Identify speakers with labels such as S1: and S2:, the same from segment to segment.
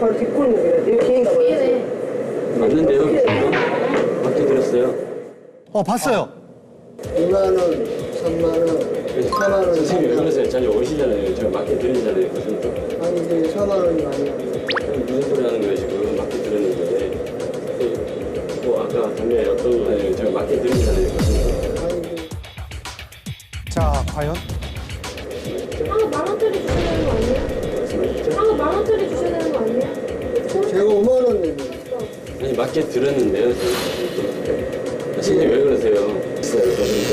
S1: 바로 딛고 있는 거예요. 내 뒤인가 봐요.
S2: 맞는데요? 맞게 들었어요.
S3: 봤어요.
S4: 2만 원, 3만 원, 4만 원.
S2: 선생님 왜 그러세요? 자주 오시잖아요. 제가 맞게 들리잖아요. 무슨
S4: 아니 이제 4만 원이 많이 나요.
S2: 무슨 소리 하는 거예요 지금? 맞게 들었는데. 뭐 아까 담배 어떤 거예요? 제가 맞게 들리잖아요. 무슨
S4: 아니 이제
S3: 자, 과연?
S5: 한번 10,000원짜리 주셔야 되는 거 아니에요? 한번 10,000원짜리 주셔야 되는 거 아니에요?
S4: 제가 5만 원 내면
S2: 아니 맞게 들었는데요. 선생님 왜 그러세요? 있어요.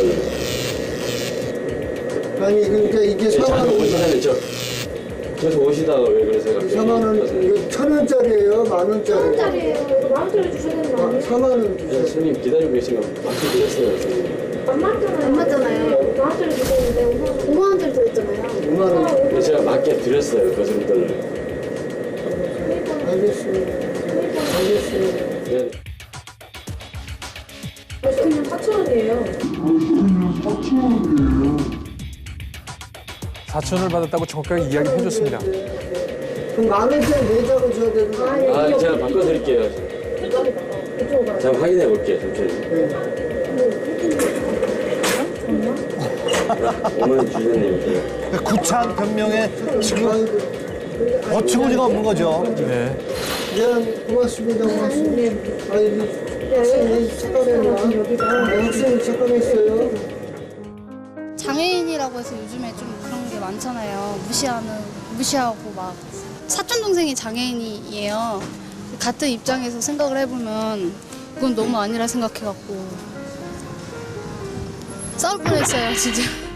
S4: 아니 그러니까 이게 4만
S2: 자주
S4: 원.
S2: 오시잖아요. 계속 오시다가 왜 그러세요? 갑자기?
S4: 4만 원, 이거 1,000원짜리예요, 10,000원짜리.
S5: 1,000원짜리예요. 이거 10,000원짜리 주셔야 되는 거 아니에요?
S4: 4만 원
S2: 네,
S4: 주세요.
S2: 선생님 기다리고 계시면 맞게 들었어요. 선생님.
S5: 안 맞잖아요. 안 맞잖아요. 10,000원짜리 주셨는데 5만 원짜리 드렸잖아요.
S4: 5만 원.
S2: 근데 제가 맞게 드렸어요. 거스름돈을.
S4: 알겠습니다. 알겠습니다.
S2: 네.
S5: 그냥 4,000원이에요.
S6: 4천원을 받았다고 정확하게 이야기를 해줬습니다.
S4: 그럼 10,000원짜리 내자고 줘야 되는 거 아니에요?
S2: 아, 제가 바꿔드릴게요.
S5: 이쪽으로 가.
S2: 제가 확인해 볼게요. 잠시만요. 5만 원 주셨네요.
S3: 구차한 변명에 지금 어처구니가 없는 거죠.
S6: 네.
S4: 미안, 고맙습니다. 고맙습니다. 아니, 학생이 착각했나? 학생이 착각했어요.
S7: 장애인이라고 해서 요즘에 좀 그런 게 많잖아요. 무시하고 막. 사촌 동생이 장애인이에요. 같은 입장에서 생각을 해보면 그건 너무 아니라 생각해갖고 싸울 뻔했어요, 진짜.